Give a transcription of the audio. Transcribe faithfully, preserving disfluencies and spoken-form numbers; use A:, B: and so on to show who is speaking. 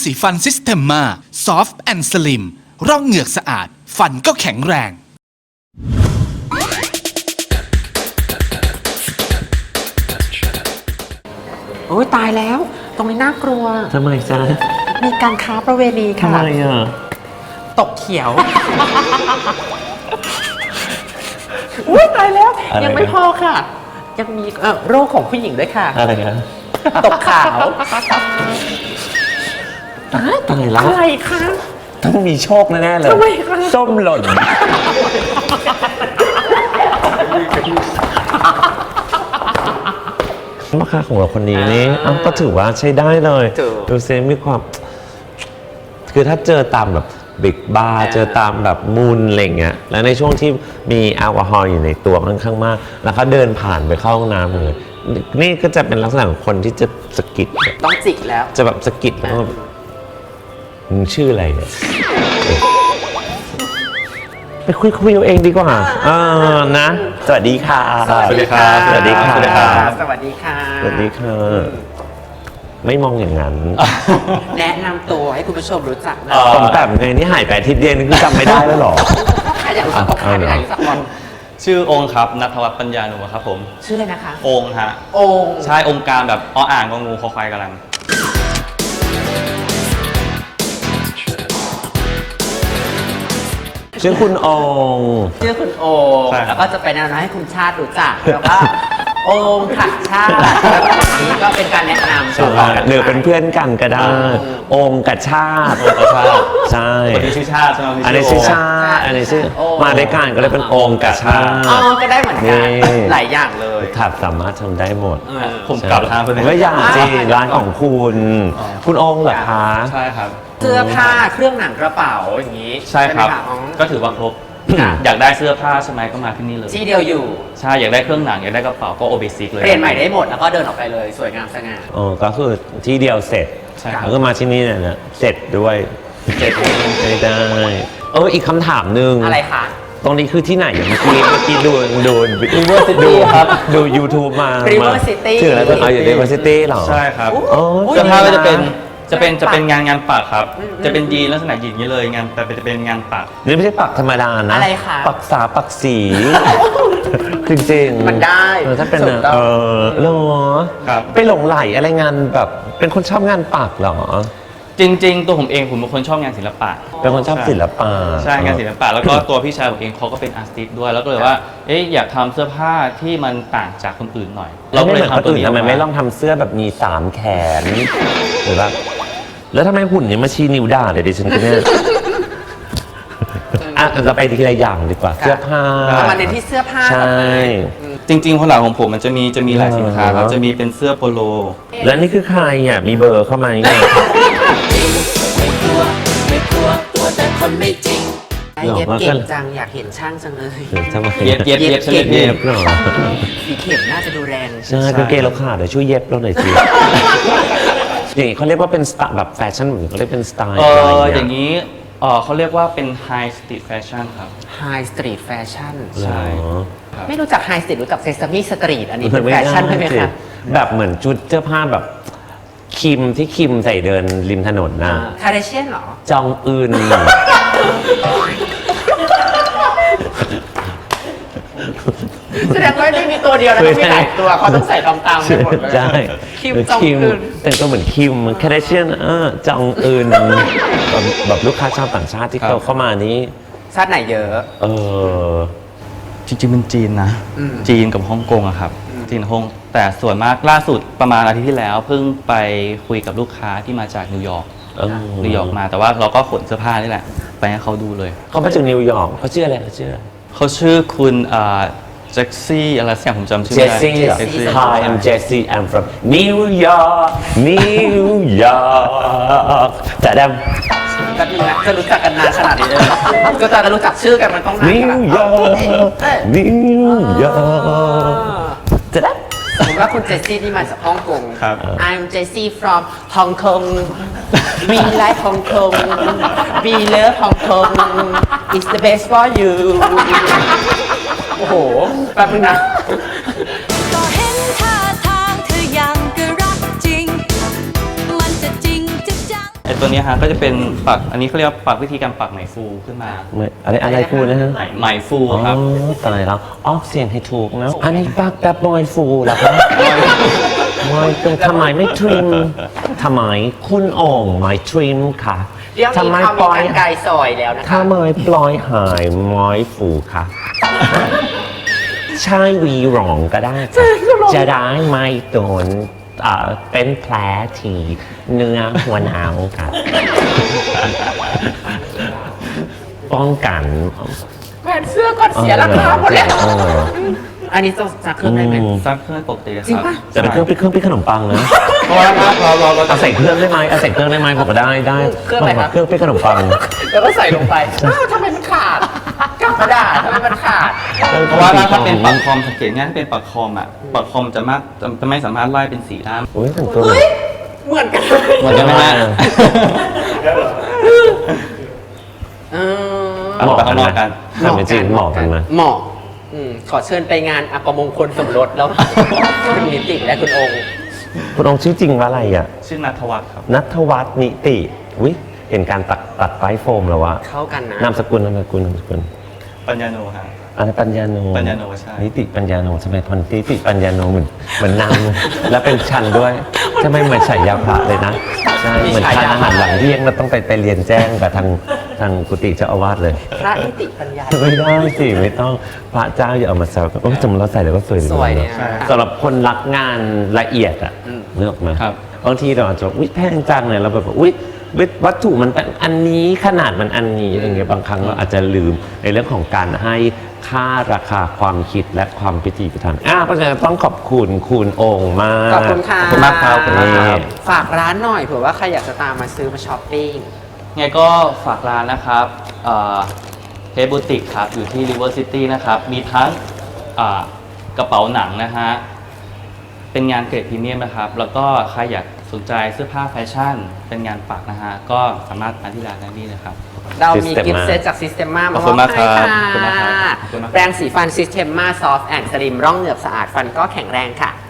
A: สีฟันซิสเ e มมาซอฟต์แอนด์สลิมร่องเหงือกสะอาดฟันก็แข็งแรง
B: โอ้ยตายแล้วตรงนี้น่ากลัว
C: ทำไมจ๊ะ
B: มีการค้าประเวณีค่ะ
C: ทำไมอ่ะ
B: ตกเขียว อุ้ยตายแล้ว ยังไม่พอค่ะ ยังมีเอ่อโรคของผู้หญิงด้วยค่ะ
C: อะไรนะ
B: ตกขาว
C: ตายตายแล้ว
B: อะไรคะ
C: ต้องมีโชคแน่ๆเลย
B: ทำไมคะ
C: ส้มหล่นราคาของเราคนนี้นี่อ้าวก็ถือว่าใช้ได้เลยดูเซมีความ คือถ้าเจอตามแบบบิ๊กบาร์เจอตามแบบมูลอะไรเงี้ยแล้วในช่วงที่มีแอลกอฮอล์อยู่ในตัวค่อนข้างมากแล้วเขาเดินผ่านไปเข้าห้องน้ำเลยนี่ก็จะเป็นลักษณะของคนที่จะสะกิด
B: ต้องจิกแล้ว
C: จะแบบสะกิดแล้วก็มึงชื่ออะไรเนี่ยไปคุยคุยเอาเองดีกว่าเออนะ สวัสดีค่ะ
B: สวัสดีค่ะ
C: สวัสดีค่ะ
B: สวัสดีค่ะสวัสดีค่ะ
C: สวัสดีค่ะไม่มองอย่างนั้น
B: แนะนำตัวให้คุณผู้ชมรู้จักนะ
C: ผมแบบไงนี่หายไปอาทิตย์เดียวนี่คือจำไม่ได้แล้วหรอ
B: ใครอยากรู้จักก็ใครอยากรู้จักก่อน
D: ชื่อองค์ครับณัฐวัฒน์ปัญญาหนูครับผม
B: ชื่ออะไรนะคะ
D: องค์ฮะ
B: องค์
D: ใช่องค์การแบบออ่างงองูคอควายกำลัง
C: ชื่อคุณองค์
B: ชื่อคุณโอม
D: ใช่ครับ
B: แล้วก็จะเป็นแนวโน้มให้คุณชาติรู้จักแล้วก็องค์ขัดชาติแล้วก็อันนี้ก็เป็นการแนะนำ
C: หรือเป็นเพื่อนกันก็ได้ องค์กับชาติ
D: องค์กับชาติ
C: ใช่
D: คนนี้ชื่อชาติใช่ไหม
C: อันนี้ชื่อชาติอันนี้ชื่อมาด้วยกันก็เลยเป็นองค์กับชาติ
B: อ๋อก็ได้เหมือนกัน
C: นี่
B: หลายอย่างเลย
C: ถัดสามารถทำได้หมด
B: เออ
D: ผมกลับทางไปเลย
C: ก็อย่างจีร้านของคุณ คุณองค์เหรอคะ
D: ใช่ครับ
B: เสื้อผ้าเครื่องหนังกระเป๋าอย่างนี้
D: ใช่ครับ
B: ไหมะอ๋อ
D: ก็ถือว่าครบ อยากได้เสื้อผ้าใช่ไหมก็มาที่นี่เลย
B: ที่เดียวอยู่
D: ใช่ อยากได้เครื่องหนัง อยากได้กระเป๋าก็โอเบซิกเลย
B: เปลี่ยนใหม่ได้หมดแล้วก็เดินออกไปเลยสวยงามสง่า
C: อ๋อก็คือที่เดียวเสร็จ
D: ใช่ครับ
C: แล้วก็มาที่นี่เนี่ยนะเสร็จด้วย
D: เจ็ด
C: ไม่ได้ เอออีกคำถามหนึ่ง
B: อะไรคะ
C: ตรงนี้คือที่ไหนอย่างเมื่อกี้เมื่อกี้ดูดู
D: River City
C: ดู
D: ครับ
C: ดู YouTube มา
B: River
C: มา
B: City
C: ชื่ออะไรตัวเอาอยู่ River City เหรอ
D: ใช่ครับ
C: อ๋อ
B: อุ๊ย
D: เสื้อผ้าก็จะเป็น จะเป็น
B: งานปัก
D: จะเป็นงานงานปักครับ
B: อืม
D: จะเป็นยีนลักษณะยีนอย่างนี้เลย งานแต่เป็นจะเป็นงานปัก
C: นี่ไม่ใช่ปักธรรมดานะ
B: อะไรคะ
C: ปักษาปักสี จริงๆ
B: มันได้
C: เออถ้าเป็น
B: ถูกต้อง
C: เออเหรอ
D: ครับ
C: ไปหลงไหลอะไรงานแบบ เป็นคนชอบงานปักเหรอ
D: จริง ๆ ตัวผมเองผมเป็นคนชอบงานศิลปะ
C: เป็นคนชอบศิลปะ
D: ใช่งานศิลปะแล้วก็ตัวพี่ชายผมเองเขาก็เป็นอาร์ติสต์ด้วยแล้วก็เลยว่าเอ๊ะอยากทำเสื้อผ้าที่มันต่างจากคนอื่นหน่อย
C: เราไม่เหมือนคน
D: ตัว
C: อื่น
D: นี้
C: ทำไม
D: กา
C: ไม่ลองทำเสื้อแบบมีสามแขนหรือว่าแล้วทำไมหุ่นยังมาชี้นิ้วด่าเดี๋ยวดิฉันก็เนี่ยอ่ะเราไปทีละอย่างดีกว่า เสื้อผ้า
B: เอามาเน้นที่เสื้อผ้า
C: ใช่
D: จริงๆคนหลังของผมมันจะมีจะมีหลายสินค้าครับ
C: อ๋อ
D: จะมีเป็นเสื้อโปโล
C: แล้วนี่คือใครอ่ะมีเบอร์เข้ามาเนี่ย
B: เย็บเก่งจังอยากเห็นช่างจังเลย
C: ทำไม
D: เย็บเย็บเย็บเฉลี่ย
C: เย็
D: เย็
C: บบ เหรอ
B: สีเข็มน่าจะดูแรง
C: ใช่กางเกงเราขาดเดี๋ยวช่วยเย็บเราหน่อยสิอย่างนี้เขาเรียกว่าเป็นสไตล์แบบแฟชั่นเหมือนเขาเรียกเป็นสไตล์
D: เอ
C: อะไร
D: อ
C: อ
D: อย่
C: า
D: ย่าง ง
C: เงี้ย
D: นี้เออเขาเรียกว่าเป็น high street fashion ครับ
B: ไฮสตรีทแฟชั่น
D: ใช่
C: เหรอ
B: ไม่รู้จักไฮสตรีทรู้จักเซซามิสตรีทอันนี้เป็น
C: ไม่
B: แฟ
C: ได้
B: ชั่นใช่ไหม
C: สิ
B: คะ
C: แบบเหมือนชุดเสื้อผ้าแบบคิมที่คิมใส่เดินริมถนนนะ
B: คาร์เดเชียนเหรอ
C: จองอึน
B: แสดงว่าไม่มีตัวเดียวนะต้องมีหลายตัวเขาต้องใส่ตามๆไปหมดเลย
C: ใช่
B: คิมจองอึน
C: แต่งตัวเหมือนคิมแคเดเชียนเออจองอึนแบบแบบลูกค้าชาวต่างชาติที่
D: ครับ
C: เขาเข้ามานี้
B: ชาติไหนเยอะ
C: เออ
D: จริงๆเป็นจีนนะ
B: อืม
D: จีนกับฮ่องกงอะครับ จีนกับฮ่องแต่ส่วนมากล่าสุดประมาณอาทิตย์ที่แล้ว เพิ่งไปคุยกับลูกค้าที่มาจากนิวยอร์ก
C: เออ
D: นิวยอร์กมาแต่ว่าเราก็ขนเสื้อผ้านี่แหละ ไปให้เขาดูเลย
C: เขามาจากนิวยอร์กเขาชื่ออะไรเขาชื่อ
D: เขาชื่อคุณแจ็คซี่อะไรสักอย่างผมจำชื่อ
C: เจ
D: ไม่
C: ส
D: ได้
C: ซี่
B: Jessie
C: Hi I'm Jessie I'm from New York New York แต่ดำ
B: ก็ดีนะจะรู้จักกันนานขนาดนี้เลยเหรอก็จะรู้จักชื่อกันมันต้องนาน
C: New
B: ขนาด
C: York
B: เอ้ย
C: New York แต่ด
B: สมมติว่าคุณเจสซี่นี่มาจากฮ่องกง
D: ครับ
B: I'm Jessie from Hong Kong We like Hong Kong We love Hong Kong It's the best for you โอ้โห แป๊บนึงนะ
E: ก็เห็นท่าทางเธอยังก็รักจริง มันจะจริงจะจัง
C: ำ
D: ตัวนี้ฮะก็จะเป็นปักอันนี้เขาเรียกว่าปักวิธีการปักไหมฟูขึ้นมา
C: ไม่อะไรอะไรฟูนะฮะ
D: ไหมไหมฟู
C: อ๋อ
D: ครับ
C: ตายแล้วออกเสียงให้ถูกนะ อันนี้ปักแบบบอยฟูเหรอครับบอยตรงทำไมไม่ทริมทำไมคุณโอ่งไม่ทริมค่ะ
B: เรื่อง
C: ทำ
B: นี้
C: ไม
B: เขา
C: ป
B: มี
C: ล่อย
B: การไกลซอยแล้วนะคะ
C: ทำไมปล่อยหายไม้ฟูค่ะ ใช่วีหรองก็ได้ค่ะจะได้ไม่โดนเอ่อเป็นแผลที่เนื้อหัวหนาวค่ะ ป้องกัน
B: แขวนเสื้อก่อนเสียราคาหมดแล้ว
C: เออ
B: อันนี้จะจะขึ้นได้ไหม
C: อืม
D: ซักเครื่องปกติค
B: จริง
D: รับ
B: ปะ
C: แต่เป็นเครื่องเป็นเครื่องปิ้งขนมปังนะ
D: เพราะว่าเราเราเรา
C: เอาใส่เครื่องได้ไหมเอาใส่เครื่องได้ไหมผมก็ได้ได้
B: เครื่องอะไรครับ
C: เครื่องปิ้งขนมปัง
B: แล้วก็ใส่ลงไปอ้าวทำไมมันขาดกลับมาด่าทำไมมันขาด
D: เพราะว่าถ้าเป็นปักคอมสังเกตง่ายถ้าเป็นปักคอมอ่ะปักคอมจะมากจะจะไม่สามารถไล่เป็นสีด้าน
C: อุ้ยแต่งตัว
B: เฮ้ย เหมือนกัน
D: เหมือนกันไหมฮะ
B: เออ
D: เอาไปข้างนอกกัน
C: ทำเป็นจริงเหมาะกันไหม
B: เหมาะอืมขอเชิญไปงานอัปมงคลสมรสแล้ว คุณนิติและคุณองค์
C: คุณองค์ชื่อจริงว่าอะไรอ่ะ
D: ชื่อนัทวัฒน์ครับ
C: นัทวัฒน์นิติวิเห็นการตัดตัดไฟโฟมแล้ววะ
B: เข้ากันนะ
C: นามสกุลนามสกุลนามสกุล
D: ปัญญาโนฮะ
C: อะไรปัญญาโน
D: ปัญญาโนใช่
C: นิติปัญญาโนทำไมพอนิติปัญญาโนเหมือนเหมือนนามแล้วเป็นชันด้วยทำไมเหมือนฉายาพระเลยนะใช่เหมือนทานอาหารหลังเที่ยงแล้วต้องไปไปเรียนแจ้งกับทางทางกุฏิเจ้าอาวาสเลย
B: พระนิติปัญญา
C: ไม่ได้สิไม่ต้องพระเจ้าอย่าเอามาแซวกันโอ้ยจำเราใส่แล้วก็สวยดี
B: สวยเนี่ย
C: สำหรับคนรักงานละเอียดอ่ะเลือกมา
D: ครับ
C: บางทีเราอาจจะอุ้ยแพงจังเลยเราแบบอุ้ยวัตถุมันเป็นอันนี้ขนาดมันอันนี้อย่างเงี้ยบางครั้งเราอาจจะลืมในเรื่องของการให้ค่าราคาความคิดและความพิถีพิถันอ่ะเพราะฉะนั้นต้องขอบคุณคุณโองค์มาก
B: ขอบคุณค่ะ
C: ขอบคุณมากครับคุณนี่
B: ฝากร้านหน่อยเผื่อว่าใครอยากจะตามมาซื้อมาช้อปปิ้ง
D: ไงก็ฝากร้านนะครับเฮบูติกครับ อยู่ที่ River City นะครับ มีทั้งอ่ากระเป๋าหนังนะฮะ เป็นงานเกรดพรีเมียมนะครับ แล้วก็ใครอยากสนใจเสื้อผ้าแฟชั่น เป็นงานปักนะฮะ ก็สามารถมาที่ร้านได้นี่เลยครับ
B: เรามี
C: Systema
B: กิฟต์เซตจาก Systema
D: ข
B: มา
D: อบคุณมากครับ
B: ให้
D: ขอบคุณมากครับ
B: ค่ะ
D: ขอบคุณมากครับ
B: แปรงสีฟัน Systema Soft and Slim ร่องเหงือกสะอาดฟันก็แข็งแรงค่ะ